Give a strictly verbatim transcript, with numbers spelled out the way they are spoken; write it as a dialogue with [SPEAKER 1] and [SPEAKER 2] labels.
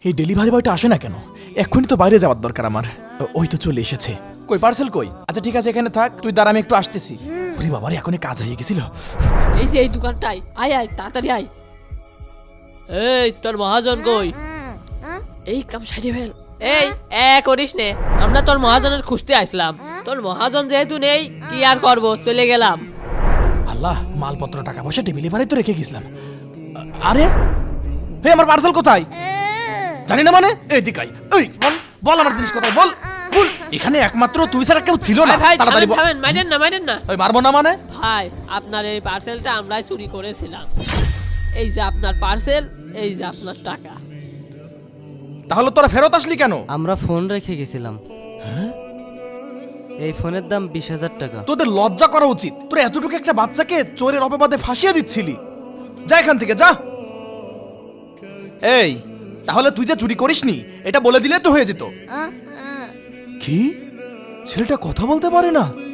[SPEAKER 1] এই ডেলিভারি বয়টা আসে না কেন? এক্ষুনি তো বাইরে যাওয়ার দরকার আমার। ওই তো চলে এসেছে। কই পার্সেল কই? আচ্ছা ঠিক আছে, এখানে থাক, তুই দাঁড়া, আমি একটু আসতেছি। ওরে বাবা রে, এখনই কাজ হয়ে গেছিল।
[SPEAKER 2] এই যে এই দোকানটাই, আয় আয় তাড়াতাড়ি আয়। এই তোর মহাজন কই? এই কাম সারিয়ে ফেল। এই এ করিস নে, আমরা তোর মহাজনের খুঁজতে আসলাম। তোর মহাজন যেহেতু নেই, কি আর করবো, চলে গেলাম।
[SPEAKER 1] আল্লাহ, মালপত্র টাকা পয়সা টেবিলে বাড়ি তো রেখে গেছিলাম। আরে হে, আমার পার্সেল কোথায়? জানি না মানে? এই দিকাই, এই বল বল আমার জিনিস কোথায়, বল বল। এখানে একমাত্র তুই ছাড়া কেউ ছিল না।
[SPEAKER 2] ভাই ভাই
[SPEAKER 1] তাড়াতাড়ি
[SPEAKER 2] থামেন
[SPEAKER 1] বল।
[SPEAKER 2] থামেন, মাইরেন না মাইরেন না।
[SPEAKER 1] ওই মারবো না মানে?
[SPEAKER 2] ভাই আপনার এই পার্সেলটা আমরাই চুরি করেছিলাম। এই যে আপনার পার্সেল, এই যে আপনার টাকা।
[SPEAKER 1] তাহলে তোরা ফেরত আসলি কেন?
[SPEAKER 3] আমরা ফোন রেখে গেছিলাম। এই ফোনের দাম বিশ হাজার টাকা।
[SPEAKER 1] তোদের লজ্জা করা উচিত। তোরা এতটুকু একটা বাচ্চাকে চোরের অপবাদে ফাঁসিয়ে দিচ্ছিলি। যা এখান থেকে যা। এই তাহলে তুই যে চুরি করিসনি এটা বলে দিলে তো হয়ে যেত। কি? ছেলেটা কথা বলতে পারে না?